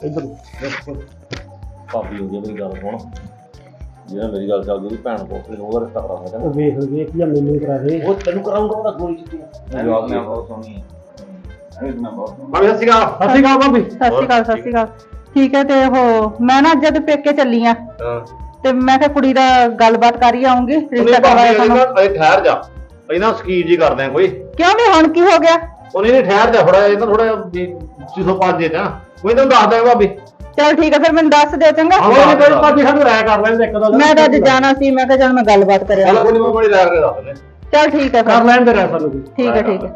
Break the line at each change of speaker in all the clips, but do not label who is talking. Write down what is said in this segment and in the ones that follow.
इधर
ਭਾਬੀ ਹੋ ਗਈ ਮੇਰੀ ਗੱਲ ਸੁਣ ਜਿਹੜਾ ਮੇਰੀ ਗੱਲ ਚੱਲਦੀ ਉਹਦੀ ਭੈਣ ਕੋਲ ਫਿਰ ਉਹਦਾ ਰਿਸ਼ਤਾ ਕਰਾਉਣਾ ਚਾਹੁੰਦਾ
ਵੇਖ ਜਾਂ ਮੈਨੂੰ ਕਰਾ ਦੇ
ਉਹ ਤੈਨੂੰ ਕਰਾਉਂਗਾ ਉਹਦਾ ਗੋਲੀ ਚਿੱਟੀ
ਜਵਾਬ ਮੈਂ ਬਹੁਤ ਸੋਹਣੀ ਹੈ ਮੈਂ ਬਹੁਤ
ਭਾਬੀ ਸਤਿ ਸ਼੍ਰੀ ਅਕਾਲ।
ਸਤਿ ਸ਼੍ਰੀ ਅਕਾਲ ਭਾਬੀ।
ਸਤਿ ਸ਼੍ਰੀ ਅਕਾਲ ਸਤਿ ਸ਼੍ਰੀ ਅਕਾਲ। ਠੀਕ ਹੈ ਤੇ ਉਹ ਮੈਂ ਨਾ ਜਦ ਪੇਕੇ ਚੱਲੀ ਆ ਤੇ ਮੈਂ ਕਿਹਾ ਕੁੜੀ ਦਾ ਗੱਲਬਾਤ ਕਰ ਹੀ ਆਉਂਗੀ ਰਿਸ਼ਤਾ ਕਰਵਾਇਆ ਤੁਹਾਨੂੰ।
ਠਹਿਰ ਜਾ ਇਹਨਾਂ ਸਕੀਰ ਜੀ ਕਰਦੇ ਆ ਕੋਈ
ਕਿਉਂ ਵੀ ਹੁਣ ਕੀ ਹੋ ਗਿਆ?
ਉਹਨੇ ਨਹੀਂ ਠਹਿਰ ਜਾ ਥੋੜਾ ਇਹਨਾਂ ਥੋੜਾ 605 ਦੇ ਤਾਂ ਕੋਈ ਤੈਨੂੰ ਦੱਸ ਦਿਆਂ ਭਾਬੀ।
ਚਲ ਠੀਕ ਹੈ ਫਿਰ ਮੈਨੂੰ ਦੱਸ ਦਿਓ ਚੰਗਾ।
ਹਾਂ ਕੋਈ ਭਾਬੀ ਸਾਨੂੰ ਰਾਇ ਕਰ ਲੈਂਦੇ ਇੱਕ ਦੋ
ਮੈਂ ਤਾਂ ਅੱਜ ਜਾਣਾ ਸੀ ਮੈਂ ਕਿਹਾ ਚੱਲ ਮੈਂ ਗੱਲਬਾਤ ਕਰਿਆ।
ਚੱਲ ਕੋਈ ਨਹੀਂ ਮੈਂ ਬੜੀ ਰਾਇ ਕਰਕੇ ਦੱਸ ਦਿੰਦੇ।
ਚਲ ਠੀਕ ਹੈ
ਕਰ ਲੈਂਦੇ ਰਹਿ ਸਾਨੂੰ ਵੀ।
ਠੀਕ ਹੈ ਠੀਕ ਹੈ।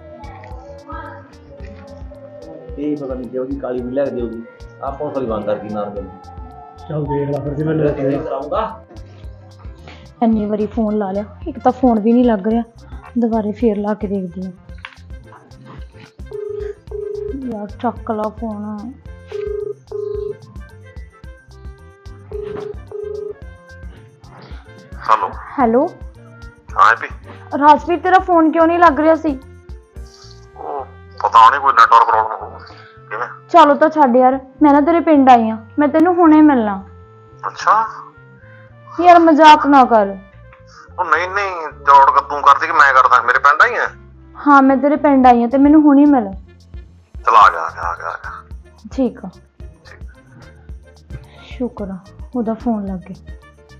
ਇਹ ਪਤਾ ਨਹੀਂ ਕਿਉਂ ਦੀ ਕਾਲੀ ਵੀ ਲੱਗ ਜਾਊਗੀ ਆਪਾਂ ਨੂੰ ਬੰਦ ਕਰ ਕੀ ਨਾਰ ਗੱਲ
ਚੱਲ ਦੇਖ ਲੈ ਫਿਰ ਜਿਵੇਂ ਲੋਕ
ਕਰਾਉਂਗਾ।
ਇੰਨੀ ਵਾਰੀ ਫੋਨ ਲਾ ਲਿਆ ਇੱਕ ਤਾਂ ਫੋਨ ਵੀ ਨਹੀਂ ਲੱਗ ਰਿਹਾ ਦੁਬਾਰੇ ਫੇਰ ਲਾ ਕੇ ਦੇਖਦੀ ਹਾਂ ਯਾਰ ਚੱਕ ਲਾ ਫੋਨ
हेलो
ਹੈਲੋ
हाँ भी
ਰਾਜਵੀਰ ਤੇਰਾ ਫੋਨ ਕਿਉਂ ਨਹੀਂ ਲੱਗ ਰਿਹਾ ਸੀ
पता नहीं कोई नेटवर्क प्रॉब्लम होगी किवें
ਚਲੋ ਤਾਂ ਛੱਡ ਯਾਰ ਮੈਂ ਨਾ ਤੇਰੇ ਪਿੰਡ ਆਈ ਆ ਮੈਂ ਤੈਨੂੰ ਹੁਣੇ ਮਿਲਣਾ
अच्छा
ਯਾਰ ਮਜ਼ਾਕ ਨਾ ਕਰ
ਉਹ ਨਹੀਂ ਨਹੀਂ ਜੋੜ ਕੇ ਤੂੰ ਕਰਦੀ ਕਿ ਮੈਂ ਕਰਦਾ ਮੇਰੇ ਪਿੰਡ ਆਈ ਹੈ
ਹਾਂ ਮੈਂ ਤੇਰੇ ਪਿੰਡ ਆਈ ਆ ਤੇ ਮੈਨੂੰ ਹੁਣੇ ਮਿਲ
ਚਲ ਆ ਗਿਆ
ਠੀਕ ਆ ਸ਼ੁਕਰ ਆ ਉਹਦਾ ਫੋਨ ਲੱਗ ਗਿਆ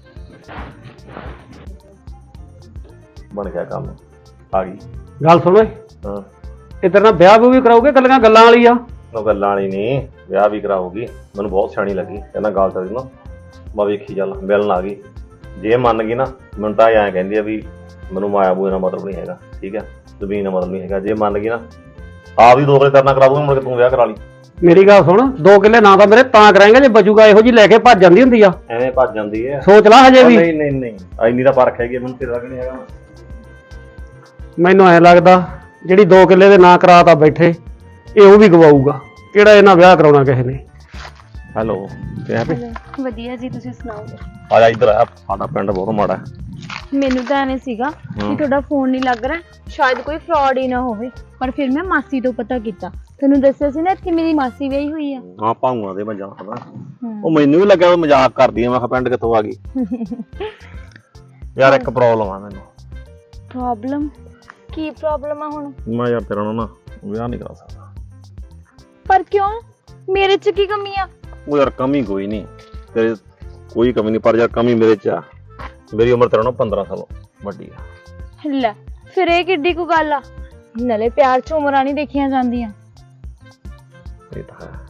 ਬਣ ਗਿਆ ਕੰਮ ਆ ਗਈ
ਗੱਲ ਸੁਣ ਓਏ
ਹਾਂ
ਇਧਰ ਨਾ ਵਿਆਹ ਵੀ ਕਰਾਉਗੇ ਗੱਲਾਂ ਵਾਲੀ ਆ।
ਉਹ ਗੱਲਾਂ ਵਾਲੀ ਨਹੀਂ ਵਿਆਹ ਵੀ ਕਰਾਉਗੀ ਮੈਨੂੰ ਬਹੁਤ ਸਿਆਣੀ ਲੱਗੀ ਕਹਿੰਦਾ ਗੱਲ ਤਾਂ ਨਾ ਮੈਂ ਵੇਖੀ ਚੱਲ ਮਿਲਣ ਆ ਗਈ ਜੇ ਮੰਨ ਗਈ ਨਾ ਮੈਨੂੰ ਤਾਂ ਐਂ ਕਹਿੰਦੀ ਆ ਵੀ ਮੈਨੂੰ ਮਾਇਆ ਬੂਏ ਦਾ ਮਤਲਬ ਨਹੀਂ ਹੈਗਾ ਠੀਕ ਹੈ ਜ਼ਮੀਨ ਦਾ ਮਤਲਬ ਨਹੀਂ ਹੈਗਾ ਜੇ ਮੰਨ ਗਈ ਨਾ ਆਪ ਹੀ 2 ਕਿੱਲੇ ਕਰਨਾ ਕਰਾ ਦੂੰਗਾ ਮੁੜ ਕੇ ਤੂੰ ਵਿਆਹ ਕਰਾ ਲਈ।
ਮੇਰੀ ਗੱਲ ਸੁਣ 2 ਕਿੱਲੇ ਨਾ ਤਾਂ ਮੇਰੇ ਤਾਂ ਕਰਾਂਗੇ ਜੇ ਬਚੂਗਾ ਇਹੋ ਜੀ ਲੈ ਕੇ ਭੱਜ ਜਾਂਦੀ ਹੁੰਦੀ ਆ।
ਐਵੇਂ ਭੱਜ ਜਾਂਦੀ ਹੈ
ਸੋਚ ਲਾ ਹਜੇ ਵੀ।
ਨਹੀਂ ਨਹੀਂ ਨਹੀਂ ਇੰਨੀ ਦਾ ਫਰਕ ਹੈਗੀ ਮੈਨੂੰ ਤੇਰਾ ਕਿ ਨਹੀਂ ਹੈਗਾ।
ਮੈਨੂੰ ਐ ਲੱਗਦਾ ਜਿਹੜੀ 2 ਕਿੱਲੇ ਦੇ ਨਾਂ ਕਰਾਤਾ ਬੈਠੇ ਇਹ ਉਹ ਵੀ ਗਵਾਊਗਾ ਕਿਹੜਾ ਇਹਨਾਂ ਵਿਆਹ ਕਰਾਉਣਾ ਕਿਸੇ ਨੇ।
ਹੈਲੋ ਕਿਹਾ ਵੀ
ਵਧੀਆ ਜੀ ਤੁਸੀਂ ਸੁਣਾਓ।
ਆ ਜਾ ਇੱਧਰ ਆ ਸਾਡਾ ਪਿੰਡ ਬਹੁਤ ਮਾੜਾ ਹੈ।
ਮੈਨੂੰ ਤਾਂ ਐਵੇਂ ਸੀਗਾ ਕਿ ਤੁਹਾਡਾ ਫੋਨ ਨਹੀਂ ਲੱਗ ਰਿਹਾ ਸ਼ਾਇਦ ਕੋਈ ਫਰਾਡ ਹੀ ਨਾ ਹੋਵੇ ਪਰ ਫਿਰ ਮੈਂ ਮਾਸੀ ਤੋਂ ਪਤਾ ਕੀਤਾ ਤੈਨੂੰ ਦੱਸਿਆ ਸੀ ਨਾ ਕਿ ਮੇਰੀ ਮਾਸੀ ਵਿਆਹੀ ਹੋਈ ਆ।
ਹਾਂ ਭਾਊਆਂ ਦੇ ਮੈਂ ਜਾਣਦਾ ਉਹ ਮੈਨੂੰ ਵੀ ਲੱਗਿਆ ਉਹ ਮਜ਼ਾਕ ਕਰਦੀ ਆ ਮੈਂ ਕਿਹਾ ਪਿੰਡ ਕਿੱਥੋਂ ਆ ਗਈ ਯਾਰ ਇੱਕ ਪ੍ਰੋਬਲਮ ਆ ਮੈਨੂੰ।
ਪ੍ਰੋਬਲਮ ਕੀ ਪ੍ਰੋਬਲਮ ਆ ਹੁਣ?
ਮੈਂ ਯਾਰ ਤੇਰਾ ਨਾਲ ਨਾ ਵਿਆਹ ਨਹੀਂ ਕਰਾ ਸਕਦਾ।
ਪਰ ਕਿਉਂ ਮੇਰੇ ਚ ਕੀ ਕਮੀ ਆ?
ਉਹ ਯਾਰ ਕਮੀ ਕੋਈ ਨਹੀਂ ਤੇਰੇ ਕੋਈ ਕਮੀ ਨਹੀਂ ਪਰ ਯਾਰ ਕਮੀ ਮੇਰੇ ਚ ਆ ਮੇਰੀ ਉਮਰ ਤੇਰਾ ਨਾਲ 15 ਸਾਲ ਵੱਡੀ ਆ।
ਲੈ ਫਿਰ ਇਹ ਕਿੱਡੀ ਕੁ ਗੱਲ ਆ ਨਾਲੇ ਪਿਆਰ ਚ ਉਮਰਾਂ ਨਹੀਂ ਦੇਖੀਆਂ ਜਾਂਦੀਆਂ
ਇਹ ਤਾਂ ਹੈ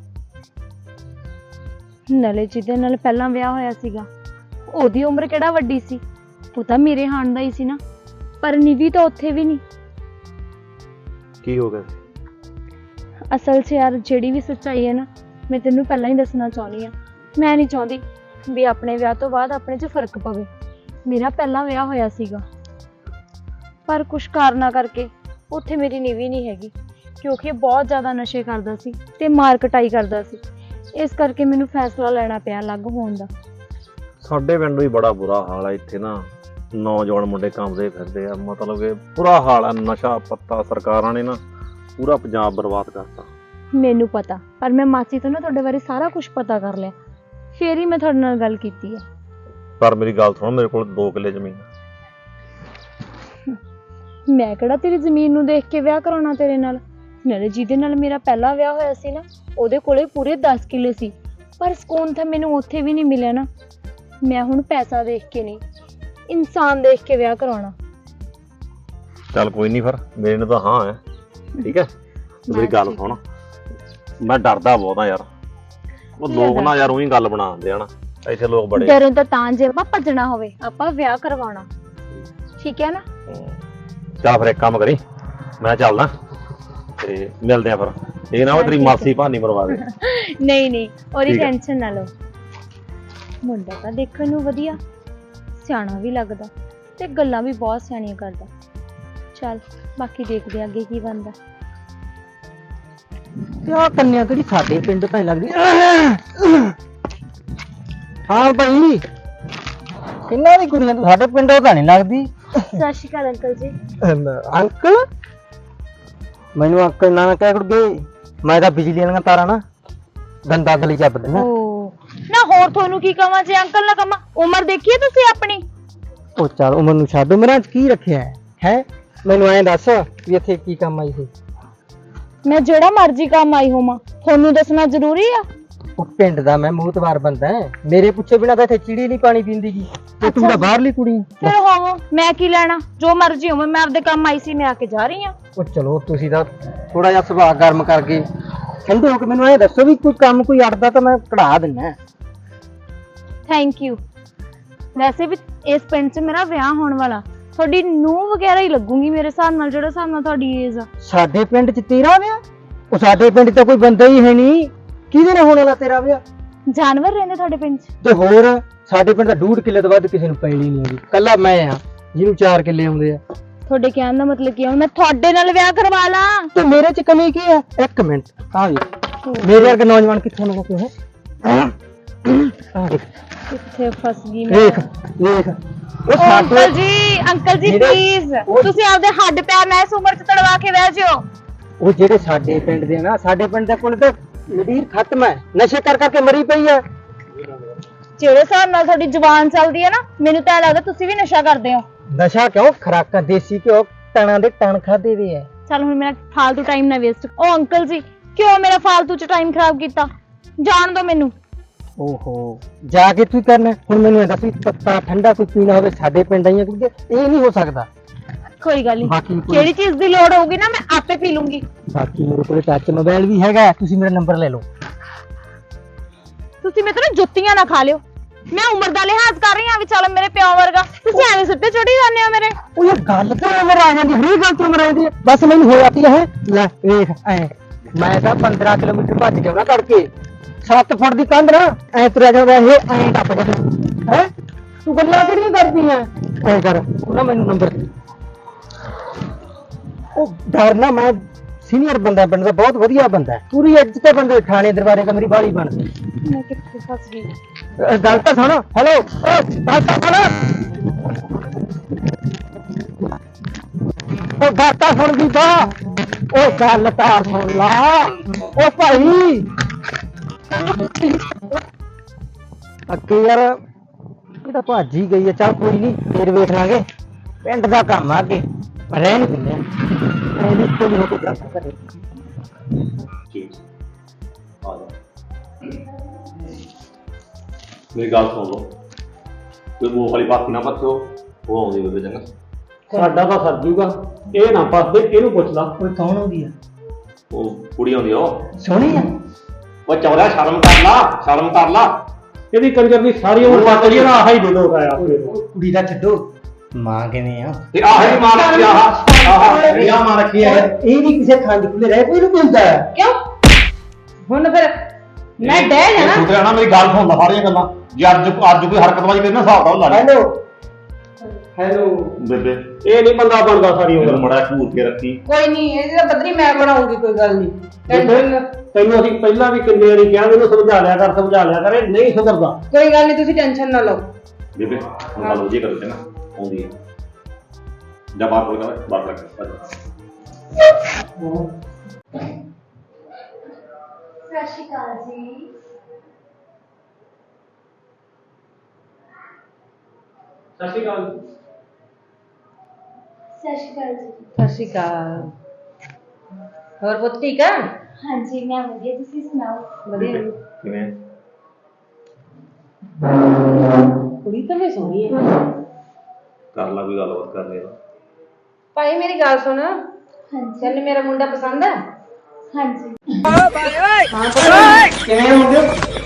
ਨਾਲੇ ਜਿਹਦੇ ਨਾਲ ਪਹਿਲਾਂ ਵਿਆਹ ਹੋਇਆ ਸੀਗਾ ਉਹਦੀ ਉਮਰ ਕਿਹੜਾ ਵੱਡੀ ਸੀ ਉਹ ਤਾਂ ਮੇਰੇ ਹਾਣ ਦਾ ਹੀ ਸੀ ਨਾ ਪਰ ਨਿਵੀ ਤਾਂ ਉੱਥੇ ਵੀ ਨਹੀਂ।
ਕੀ ਹੋ ਗਿਆ
ਅਸਲ 'ਚ ਯਾਰ ਜਿਹੜੀ ਵੀ ਸੱਚਾਈ ਹੈ ਨਾ ਮੈਂ ਤੈਨੂੰ ਪਹਿਲਾਂ ਹੀ ਦੱਸਣਾ ਚਾਹੁੰਦੀ ਆ ਮੈਂ ਨਹੀਂ ਚਾਹੁੰਦੀ ਵੀ ਆਪਣੇ ਵਿਆਹ ਤੋਂ ਬਾਅਦ ਆਪਣੇ 'ਚ ਫਰਕ ਪਵੇ। ਮੇਰਾ ਪਹਿਲਾਂ ਵਿਆਹ ਹੋਇਆ ਸੀਗਾ ਪਰ ਕੁਛ ਕਾਰਨਾਂ ਕਰਕੇ ਉੱਥੇ ਮੇਰੀ ਨਿਵੀ ਨਹੀਂ ਹੈਗੀ ਕਿਉਂਕਿ ਬਹੁਤ ਜ਼ਿਆਦਾ ਨਸ਼ੇ ਕਰਦਾ ਸੀ ਤੇ ਮਾਰ ਕਟਾਈ ਕਰਦਾ ਸੀ ਇਸ ਕਰਕੇ ਮੈਨੂੰ ਫੈਸਲਾ ਲੈਣਾ ਪਿਆ ਅਲੱਗ ਹੋਣ ਦਾ।
ਸਾਡੇ ਪਿੰਡ ਵੀ ਬੜਾ ਬੁਰਾ ਹਾਲ ਆ ਇੱਥੇ ਨਾ ਨੌਜਵਾਨ ਮੁੰਡੇ ਕੰਮਦੇ ਫਿਰਦੇ ਆ ਮਤਲਬ ਕਿ ਬੁਰਾ ਹਾਲ ਆ ਨਸ਼ਾ ਪੱਤਾ ਸਰਕਾਰਾਂ ਨੇ ਨਾ ਪੂਰਾ ਪੰਜਾਬ ਬਰਬਾਦ ਕਰਤਾ।
ਮੈਨੂੰ ਪਤਾ ਪਰ ਮੈਂ ਮਾਸੀ ਤੋਂ ਨਾ ਤੁਹਾਡੇ ਬਾਰੇ ਸਾਰਾ ਕੁਝ ਪਤਾ ਕਰ ਲਿਆ ਫੇਰ ਹੀ ਮੈਂ ਤੁਹਾਡੇ ਨਾਲ ਗੱਲ ਕੀਤੀ ਹੈ।
ਪਰ ਮੇਰੀ ਗੱਲ ਸੁਣ ਮੇਰੇ ਕੋਲ 2 ਕਿੱਲੇ ਜ਼ਮੀਨ
ਮੈਂ ਕਿਹੜਾ ਤੇਰੀ ਜ਼ਮੀਨ ਨੂੰ ਦੇਖ ਕੇ ਵਿਆਹ ਕਰਾਉਣਾ ਤੇਰੇ ਨਾਲ ਨਾਲੇ ਜਿਹਦੇ ਨਾਲ ਮੇਰਾ ਪਹਿਲਾ ਵਿਆਹ ਹੋਇਆ ਸੀ ਨਾ ਉਹਦੇ ਕੋਲੇ ਪੂਰੇ 10 ਕਿੱਲੇ ਸੀ ਪਰ ਸਕੂਨ ਤਾਂ ਮੈਨੂੰ ਉੱਥੇ ਵੀ ਨਹੀਂ ਮਿਲਿਆ ਨਾ। ਮੈਂ ਹੁਣ ਪੈਸਾ ਦੇਖ ਕੇ ਨਹੀਂ ਇਨਸਾਨ ਦੇਖ ਕੇ ਵਿਆਹ ਕਰਾਉਣਾ।
ਚੱਲ ਕੋਈ ਨਹੀਂ ਫਿਰ ਮੇਰੇ ਨੂੰ ਤਾਂ ਹਾਂ ਹੈ ਠੀਕ ਹੈ ਮੇਰੀ ਗੱਲ ਸੁਣ ਮੈਂ ਡਰਦਾ ਬਹੁਤ ਆ ਯਾਰ ਉਹ ਲੋਕ ਨਾ ਯਾਰ ਉਹੀ ਗੱਲ ਬਣਾ ਦਿੰਦੇ ਆ ਨਾ ਇੱਥੇ ਲੋਕ ਬੜੇ
ਡਰੋਂ ਤਾਂ ਜੇ ਆਪਾਂ ਭੱਜਣਾ ਹੋਵੇ ਆਪਾਂ ਵਿਆਹ ਕਰਵਾਉਣਾ ਠੀਕ ਹੈ ਨਾ।
ਚੱਲ ਫਿਰ ਇੱਕ ਕੰਮ ਕਰੀ ਮੈਂ ਚੱਲਦਾ ਤੇ ਮਿਲਦੇ ਆ ਫਿਰ ਇਹ ਨਾ ਉਹ ਤੇਰੀ ਮਾਸੀ ਭਾਨੀ ਮਰਵਾ ਦੇ।
ਨਹੀਂ ਨਹੀਂ ਉਹਦੀ
ਠੀਕ ਹੈ।
ਟੈਨਸ਼ਨ ਨਾ ਲਓ ਮੁੰਡਾ ਤਾਂ ਦੇਖਣ ਨੂੰ ਵਧੀਆ ਸਿਆਣਾ ਵੀ ਲੱਗਦਾ ਤੇ ਗੱਲਾਂ ਵੀ ਬਹੁਤ ਸਿਆਣੀਆਂ ਕਰਦਾ। ਚੱਲ ਬਾਕੀ ਦੇਖਦੇ ਅੱਗੇ ਕੀ ਬਣਦਾ।
ਆ ਕੰਨਿਆ ਕਿਹੜੀ ਸਾਡੇ ਪਿੰਡ ਤਾਂ ਲੱਗਦੀ। ਹਾਂ ਭਾਈ ਕਿੰਨਾ ਦੀ ਕੁੜੀਆਂ ਸਾਡੇ ਪਿੰਡੋਂ ਤਾਂ ਨਹੀਂ ਲੱਗਦੀ।
ਸਤਿ ਸ਼੍ਰੀ ਅਕਾਲ ਅੰਕਲ ਜੀ।
ਅੰਕਲ ਮੈਨੂੰ ਅੰਕਲ ਨਾ ਕਹਿ ਕੁੜਗੇ ਮੈਂ ਤਾਂ ਬਿਜਲੀ ਵਾਲੀਆਂ ਤਾਰਾਂ ਨਾ
ਗੰਦਾ ਗਲੀ ਚੱਬ ਦੇਣਾ।
ਓ ਨਾ ਹੋਰ ਤੁਹਾਨੂੰ ਕੀ ਕਵਾਂ ਜੇ ਅੰਕਲ ਨਾ ਕਵਾਂ, ਉਮਰ ਦੇਖੀਏ ਤੁਸੀਂ ਆਪਣੀ।
ਉਹ ਚੱਲ ਉਮਰ ਨੂੰ ਛੱਡ, ਉਮਰਾਂ 'ਚ ਕੀ ਰੱਖਿਆ ਹੈ? ਮੈਨੂੰ ਐਂ ਦੱਸ ਵੀ ਇੱਥੇ ਕੀ ਕੰਮ ਆਈ ਸੀ?
ਮੈਂ ਜਿਹੜਾ ਮਰਜ਼ੀ ਕੰਮ ਆਈ ਹੋਵਾਂ, ਤੁਹਾਨੂੰ ਦੱਸਣਾ ਜ਼ਰੂਰੀ ਆ?
ਉਹ ਪਿੰਡ ਦਾ ਮੈਂ ਮੂਤਵਾਰ ਬੰਦਾ ਮੇਰੇ ਪੁੱਛੇ ਬਿਨਾਂ ਤਾਂ ਇੱਥੇ ਚਿੜੀ ਨਹੀਂ ਪਾਣੀ ਪੀਂਦੀ ਗੀ ਤੇ ਤੂੰ ਤਾਂ ਬਾਹਰਲੀ ਕੁੜੀ।
ਫਿਰ ਹੋਵੋ, ਮੈਂ ਕੀ ਲੈਣਾ, ਜੋ ਮਰਜ਼ੀ ਹੋਵੇ, ਮੈਂ ਆਪਦੇ ਕੰਮ ਆਈ ਸੀ, ਮੈਂ ਆ ਕੇ ਜਾ ਰਹੀ ਆ।
ਉਹ ਚਲੋ ਤੁਸੀਂ ਤਾਂ ਥੋੜਾ ਜਿਹਾ ਸੁਭਾਅ ਗਰਮ ਕਰ ਗਏ, ਠੰਡੇ ਹੋ ਕੇ ਮੈਨੂੰ ਐਂ ਦੱਸੋ ਵੀ ਕੋਈ ਕੰਮ ਕੋਈ ਅੜਦਾ ਤਾਂ ਮੈਂ ਕਢਾ ਦਿੰਨਾ।
Thank you. ਵੈਸੇ ਵੀ ਇਸ ਪਿੰਡ 'ਚ ਮੇਰਾ ਵਿਆਹ ਹੋਣ ਵਾਲਾ, ਤੁਹਾਡੀ ਨੂੰਹ ਵਗੈਰਾ ਹੀ ਲੱਗੂਗੀ ਮੇਰੇ ਹਿਸਾਬ ਨਾਲ, ਜਿਹੜਾ ਹਿਸਾਬ ਨਾਲ ਤੁਹਾਡੀ ਏਜ ਆ।
ਸਾਡੇ ਪਿੰਡ 'ਚ ਤੇਰਾ ਵਿਆਹ? ਉਹ ਸਾਡੇ ਪਿੰਡ 'ਚ ਤਾਂ ਕੋਈ ਬੰਦਾ ਹੀ ਹੈ ਨਹੀਂ, ਕਿਹਦੇ ਨਾਲ ਹੋਣ ਵਾਲਾ ਤੇਰਾ ਵਿਆਹ?
ਜਾਨਵਰ ਰਹਿੰਦੇ ਤੁਹਾਡੇ ਪਿੰਡ 'ਚ?
ਤੇ ਹੋਰ ਸਾਡੇ ਪਿੰਡ ਦਾ 2.5 ਕਿੱਲੇ ਤੋਂ ਵੱਧ ਕਿਸੇ ਨੂੰ ਪੈਲੀ ਨਹੀਂ ਆਉਂਦੀ, ਕੱਲਾ ਮੈਂ ਆ ਜਿਹਨੂੰ 4 ਕਿੱਲੇ ਆਉਂਦੇ ਆ।
ਤੁਹਾਡੇ ਕਹਿਣ ਦਾ ਮਤਲਬ ਕੀ ਆ, ਮੈਂ ਤੁਹਾਡੇ ਨਾਲ ਵਿਆਹ ਕਰਵਾ ਲਾਂ?
ਤੇ ਮੇਰੇ 'ਚ ਕਮੀ ਕੀ ਹੈ? ਇੱਕ ਮਿੰਟ ਆ ਵੀ ਮੇਰੇ ਵਰਗੇ ਨੌਜਵਾਨ ਕਿੱਥੇ ਨੇ ਕੋਈ ਹੈ? ਆ ਦੇਖ
ਕਿੱਥੇ ਫਸ ਗਈ ਮੈਂ।
ਵੇਖ ਵੇਖ ਉਹ
ਅੰਕਲ ਜੀ ਪਲੀਜ਼, ਤੁਸੀਂ ਆਪਦੇ ਹੱਡ ਪੈਰ ਨਾ ਇਸ ਉਮਰ 'ਚ ਤੜਵਾ ਕੇ ਬਹਿ ਜਿਓ।
ਉਹ ਜਿਹੜੇ ਸਾਡੇ ਪਿੰਡ ਦੇ ਨਾ, ਸਾਡੇ ਪਿੰਡ ਦਾ ਕੋਲ ਤਾਂ ਨਦੀਰ ਖਤਮ ਹੈ, ਨਸ਼ੇ ਕਰ ਕਰਕੇ ਮਰੀ ਪਈ ਹੈ।
ਜਿਹੜੇ ਹਿਸਾਬ ਨਾਲ ਤੁਹਾਡੀ ਜ਼ੁਬਾਨ ਚੱਲਦੀ ਹੈ ਨਾ, ਮੈਨੂੰ ਤਾਂ ਲੱਗਦਾ ਤੁਸੀਂ ਵੀ ਨਸ਼ਾ ਕਰਦੇ ਹੋ।
ਨਸ਼ਾ ਕਿਉਂ? ਖਰਾਕਾਂ ਦੇਸੀ ਘਿਓ ਟਣਾਂ ਦੇ ਟਣ ਖਾਦੇ ਵੇ ਹੈ।
ਚੱਲ ਹੁਣ ਮੇਰਾ ਫਾਲਤੂ ਟਾਈਮ ਨਾ ਵੇਸਟ। ਉਹ ਅੰਕਲ ਜੀ ਕਿਉਂ ਮੇਰਾ ਫਾਲਤੂ 'ਚ ਟਾਈਮ ਖਰਾਬ ਕੀਤਾ? ਜਾਣ ਦਿਓ ਮੈਨੂੰ।
ਓਹੋ ਜਾ ਕੇ ਤੂੰ ਕਰਨਾ ਹੁਣ? ਮੈਨੂੰ ਇਹ ਦੱਸ ਵੀ ਪੱਤਾ ਠੰਡਾ ਕੋਈ ਪੀਣਾ ਹੋਵੇ ਸਾਡੇ ਪਿੰਡ ਆਈਆਂ, ਕਿਉਂਕਿ ਇਹ ਨਹੀਂ ਹੋ ਸਕਦਾ।
ਕੋਈ ਗੱਲ
ਬਾਕੀ
ਨਹੀਂ,
ਕੋਈ-
ਜਿਹੜੀ ਚੀਜ਼ ਦੀ ਲੋੜ ਹੋਊਗੀ ਨਾ ਮੈਂ ਆਪੇ ਪੀ ਲੂੰਗੀ।
ਬਾਕੀ ਮੇਰੇ ਕੋਲ ਟੱਚ ਮੋਬਾਈਲ ਵੀ ਹੈਗਾ, ਤੁਸੀਂ ਮੇਰਾ ਨੰਬਰ ਲੈ ਲਓ।
ਤੁਸੀਂ ਮੇਰੇ ਤੋਂ ਜੁੱਤੀਆਂ ਨਾ ਖਾ ਲਿਓ, ਮੈਂ ਉਮਰ ਦਾ ਲਿਹਾਜ਼ ਕਰ ਰਹੀ ਹਾਂ ਵੀ ਚੱਲ ਮੇਰੇ ਪਿਓ ਵਰਗਾ, ਤੁਸੀਂ ਐਵੇਂ ਸਿੱਟੇ ਚੜੀ ਜਾਂਦੇ ਹੋ ਮੇਰੇ।
ਉਹ ਯਾਰ ਗੱਲ ਤਾਂ ਉਮਰ ਆ ਜਾਂਦੀ, ਹਰੇਕ ਗੱਲ ਤੋਂ ਉਮਰ ਆ ਜਾਂਦੀ ਹੈ। ਬਸ ਮੈਨੂੰ ਹੋ ਜਾਂਦੀ ਹੈ ਲੈ ਵੇਖ ਐ ਮੈਂ ਤਾਂ 15 ਕਿਲੋਮੀਟਰ ਭੱਜ ਜਾਣਾ ਤੜਕੇ, 7 ਫੁੱਟ ਦੀ ਕੰਧ ਨਾ ਐ ਤੁਰਿਆ ਜਾਂਦਾ, ਇਹ ਐ ਟੱਪ ਜਾਂਦਾ ਹੈ। ਤੂੰ ਗੱਲਾਂ ਕਿਹੜੀਆਂ ਕਰਦੀ ਐ? ਐ ਕਰ ਉਹ ਨਾ ਮੈਨੂੰ ਨੰਬਰ ਦੇ। ਉਹ ਡਰਨਾ, ਮੈਂ ਸੀਨੀਅਰ ਬੰਦਾ, ਪਿੰਡ ਦਾ ਬਹੁਤ ਵਧੀਆ ਬੰਦਾ, ਪੂਰੀ ਇੱਜ਼ਤ ਤੇ ਬੰਦੇ, ਥਾਣੇ ਦਰਬਾਰੇ ਕਮਰੀ ਬਾਲੀ ਬਣਦੀ।
ਮੈਂ ਕਿੱਥੇ ਫਸ ਗਈ?
ਗੱਲ ਤਾਂ ਸੁਣ, ਹੈਲੋ ਗੱਲ ਤਾਂ ਸੁਣ, ਉਹ ਗੱਲ ਤਾਂ ਸੁਣ ਬੀਬਾ, ਉਹ ਗੱਲ ਤਾਂ ਸੁਣ ਲਾ। ਉਹ ਭਾਈ ਅੱਗੇ ਯਾਰ ਇਹ ਤਾਂ ਭੱਜ ਹੀ ਗਈ ਹੈ, ਚੱਲ ਕੋਈ ਨਹੀਂ ਫੇਰ ਵੇਖ ਲਾਂਗੇ, ਪਿੰਡ ਦਾ ਕੰਮ ਆ ਅੱਗੇ ਰਹਿ ਨਹੀਂ ਦਿੰਦੇ ਇਹਦੀ ਕੋਈ ਹੋ ਕੇ ਗੱਲ ਕਰੇ।
ਠੀਕ ਆ ਜਾ, ਮੇਰੀ ਗੱਲ ਸੁਣ ਲਓ, ਕੋਈ ਮੂੰਹ ਵਾਲੀ ਬਾਤ ਨਾ ਪੱਛੋ, ਉਹ ਆਉਂਦੀ ਬੇਬੇ ਚੰਗਾ।
ਸਾਡਾ ਤਾਂ ਸਰ ਜੂਗਾ, ਇਹ ਨਾ ਫਸਦੇ, ਇਹਨੂੰ ਪੁੱਛ ਲਾ।
ਕੋਈ ਕੌਣ ਹੁੰਦੀ ਆ?
ਉਹ ਕੁੜੀ ਆਉਂਦੀ ਆ, ਉਹ
ਸੋਹਣੀ ਆ?
ਉਹ ਚੌੜਾ, ਸ਼ਰਮ ਕਰ ਲਾ, ਸ਼ਰਮ ਕਰ ਲਾ।
ਇਹਦੀ ਕੰਜਰ ਦੀ ਸਾਰੀ ਉਮਰ ਪੱਟ ਗਈ, ਆਹ ਹੀ ਦੇ ਆਇਆ
ਉਹ ਕੁੜੀ ਦਾ ਛੱਡੋ, ਮਾਂ ਕਿਵੇਂ ਆ?
ਤੇ ਆਹ ਹੀ ਮਾਂ ਰੱਖੀ, ਆਹ ਮਾਂ ਰੱਖੀ ਹੈ।
ਇਹ ਵੀ ਕਿਸੇ ਖੰਡ ਖੁੱਲੇ ਰਹਿ ਕੋਈ ਨੂੰ ਹੁੰਦਾ ਹੈ।
ਕਿਉਂ ਹੁਣ ਫਿਰ ਮੈਂ ਡਹਿ ਜਾਣਾ?
ਤੂੰ ਨਾ ਮੇਰੀ ਗੱਲ ਸੁਣ ਲਾ ਸਾਰੀਆਂ ਗੱਲਾਂ, ਜੇ ਅੱਜ ਕੋਈ ਹਰਕਤਬਾਜ਼ੀ ਕਰੀ ਨਾ ਹਿਸਾਬ ਦਾ ਲਾ ਲੈ।
ਹੈਲੋ
ਬੇਬੇ
ਇਹ ਨਹੀਂ ਬੰਦਾ ਬਣਦਾ ਸਾਰੀ
ਮੈਨੂੰ
ਉਮਰ।
ਮੜਾ ਘੂਰ ਕੇ ਰੱਖੀ।
ਕੋਈ ਨਹੀਂ, ਇਹਦੀ ਤਾਂ ਬਦਰੀ ਮੈਂ ਬਣਾਉਂਗੀ, ਕੋਈ ਗੱਲ ਨਹੀਂ।
ਤੈਨੂੰ ਅਸੀਂ ਪਹਿਲਾਂ ਵੀ ਕਿੰਨੇ ਵਾਰੀ ਕਿਹਾ, ਇਹਨੂੰ ਸਮਝਾ ਲਿਆ ਕਰ, ਇਹ ਨਹੀਂ ਸੁਧਰਦਾ।
ਕੋਈ ਗੱਲ ਨਹੀਂ, ਤੁਸੀਂ ਟੈਨਸ਼ਨ ਨਾ ਲਓ।
ਬੇਬੇ ਹੁਣ ਗੱਲ ਉਹਦੀ ਕਰੋ ਚੰਗਾ, ਆਉਂਦੀ ਹੈ ਜਾਂ ਬਾਹਰ ਕੋਲ ਕਰ, ਬਾਹਰ ਰੱਖ।
ਸਤਿ ਸ਼੍ਰੀ ਅਕਾਲ ਜੀ।
ਸਤਿ ਸ਼੍ਰੀ ਅਕਾਲ।
ਸਤਿ ਸ਼੍ਰੀ ਅਕਾਲ ਜੀ।
ਸਤਿ ਸ਼੍ਰੀ ਅਕਾਲ। ਹੋਰ ਪੁੱਤ ਠੀਕ ਆ?
ਹਾਂਜੀ ਮੈਂ ਵਧੀਆ, ਤੁਸੀਂ ਸੁਣਾਓ?
ਵਧੀਆ।
ਕਿਵੇਂ
ਕੁੜੀ ਤਾਂ ਵੀ ਸੋਹਣੀ ਹੈ।
ਕਰ ਲਾ ਕੋਈ ਗੱਲਬਾਤ ਕਰਨੀ ਆ।
ਭਾਈ ਮੇਰੀ ਗੱਲ ਸੁਣ,
ਹਾਂਜੀ
ਚੱਲ ਮੇਰਾ ਮੁੰਡਾ ਪਸੰਦ ਆ?
ਹਾਂਜੀ।
ਕਿਵੇਂ ਹੁੰਦੇ?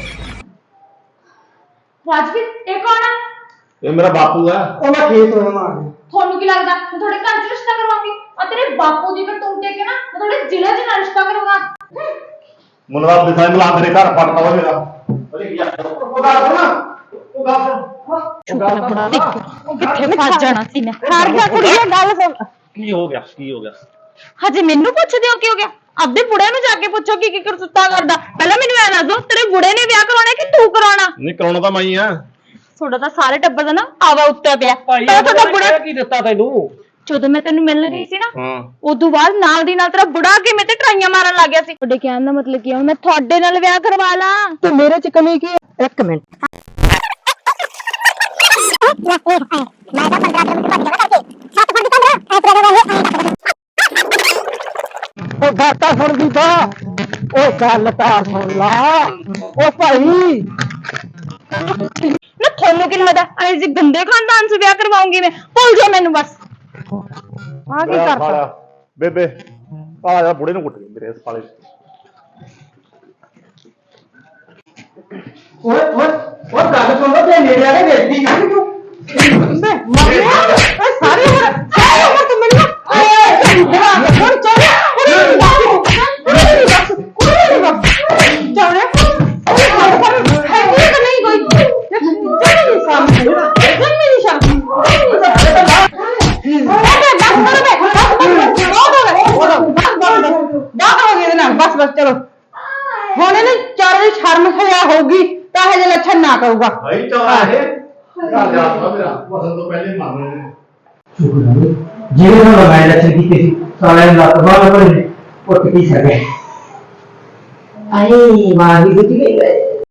ਰਾਜਵੀਰ ਇਹ ਕੌਣ ਆ?
ਇਹ ਮੇਰਾ ਬਾਪੂ ਹੈ।
ਉਹ ਮੈਂ ਖੇਤ ਹੋਇਆ ਮਾਂ।
ਤੁਹਾਨੂੰ ਕੀ ਲੱਗਦਾ ਮੈਂ ਤੁਹਾਡੇ ਘਰ 'ਚ ਰਿਸ਼ਤਾ ਕਰਵਾਉਂਗੀ? ਆ ਤੇਰੇ ਬਾਪੂ ਦੀ ਕਰਤੂਤ ਦੇਖ ਕੇ ਨਾ ਮੈਂ ਤੁਹਾਡੇ ਜ਼ਿਲ੍ਹੇ 'ਚ ਨਾ ਰਿਸ਼ਤਾ ਕਰਵਾ।
ਮੁੰਡਾ ਦਿਖਾਈ ਮਿਲਾ ਤੇਰੇ ਘਰ ਫੜਦਾ ਵਾ ਮੇਰਾ। ਉਹ ਗੱਲ ਸੁਣ, ਉਹ ਗੱਲ ਸੁਣ।
ਕਿੱਥੇ ਫਸ ਜਾਣਾ ਸੀ ਮੈਂ। ਹਾਰ ਗਿਆ ਕੁੜੀਏ, ਗੱਲ ਸੁਣ।
ਕੀ ਹੋ ਗਿਆ, ਕੀ ਹੋ ਗਿਆ?
ਹਜੇ ਮੈਨੂੰ ਪੁੱਛਦੇ ਹੋ ਕੀ ਹੋ ਗਿਆ? ਆਪਦੇ ਬੁੜੇ ਨੂੰ ਜਾ ਕੇ ਪੁੱਛੋ ਕੀ ਕੀ ਕਰਤੂਤਾਂ ਕਰਦਾ। ਪਹਿਲਾਂ ਮੈਨੂੰ ਐ ਦੱਸ ਦੋ, ਤੇਰੇ ਬੁੜੇ ਨੇ ਵਿਆਹ ਕਰਾਉਣਾ ਕਿ ਤੂੰ ਕਰਾਉਣਾ?
ਨਹੀਂ ਕਰਾਉਣਾ ਤਾਂ ਮੈਂ ਹੀ ਆ।
ਤੁਹਾਡਾ ਤਾਂ ਸਾਰੇ ਟੱਬਰ ਦਾ ਨਾ ਆਵਾ ਉੱਤੇ ਪਿਆ।
ਭਾਈ
ਪਹਿਲਾਂ ਤੁਹਾਡਾ ਬੁੜਾ
ਕੀ ਦਿੱਤਾ ਤੈਨੂੰ?
ਜਦੋਂ ਮੈਂ ਤੈਨੂੰ ਮਿਲਣ ਗਈ ਸੀ ਨਾ
ਹੂੰ
ਉਦੋਂ ਬਾਅਦ ਨਾਲ ਦੀ ਨਾਲ ਤੇਰਾ ਬੁੜਾ ਕੇ ਮੇਰੇ ਤੇ ਟਰਾਈਆਂ ਮਾਰਨ ਲੱਗ ਗਿਆ ਸੀ। ਤੁਹਾਡੇ ਕਹਿਣ ਦਾ ਮਤਲਬ ਕੀ ਆ, ਮੈਂ ਤੁਹਾਡੇ ਨਾਲ ਵਿਆਹ ਕਰਵਾ ਲਾਂ?
ਤੇ ਮੇਰੇ ਚ ਕਮੀ ਕੀ ਹੈ? ਇੱਕ ਮਿੰਟ ਉਹ ਗਾਤਾ ਸੁਣ ਬੀਬਾ, ਉਹ ਗੱਲ ਤਾਂ ਸੁਣ ਲਾ। ਉਹ ਭਾਈ
ਨਾ ਤੁਹਾਨੂੰ ਕੀ ਲੱਗਦਾ ਐ ਜੇ ਗੰਦੇ ਖਾਨਦਾਨ ਸੇ ਵਿਆਹ ਕਰਵਾਉਂਗੀ ਮੈਂ? ਭੁੱਲ ਜਾ ਮੈਨੂੰ ਬਸ।
ਆ ਕੀ ਕਰਤਾ?
ਬੇਬੇ ਆ ਜਾ, ਬੁੜੇ ਨੂੰ ਕੁੱਟ ਗਈ ਮੇਰੇ ਸਾਲੇ।
ਓਏ ਓਏ ਉਹ ਗੱਲ ਸੁਣ ਲੋ, ਤੇ ਨੇੜੇ ਆ ਕੇ ਵੇਖਦੀ ਜਾਂਦੀ ਤੂੰ।
ਸਾਰੇ ਤੂੰ ਮੈਨੂੰ ਹੁਣ ਚੱਲ ਬਸ ਬਸ ਚਲੋ ਹੁਣ ਇਹਨੇ ਚਾਰ ਦੀ ਸ਼ਰਮ ਖਿਆ ਹੋਊਗੀ ਤਾਂ ਇਹ ਜਿਹੇ ਲੱਛਣ ਨਾ ਕਰੂਗਾ।
ਭਾਈ ਚੌੜਾ ਇਹ ਘਰ ਜਾ ਮੇਰਾ ਵਸਣ ਤੋਂ ਪਹਿਲੇ ਮੰਨ
ਜਿਹੜੇ ਨਾਲ ਮੈਂ ਲੱਛਣ ਕੀਤੇ ਸੀ ਸਾਲਿਆਂ ਨੇ ਲੱਤ ਬਾਹਰ ਭਰੇ ਉੱਠ ਕੀ ਸਕੇ। ਆਏ ਮਾਂ ਦੀ ਗੁੱਟੀ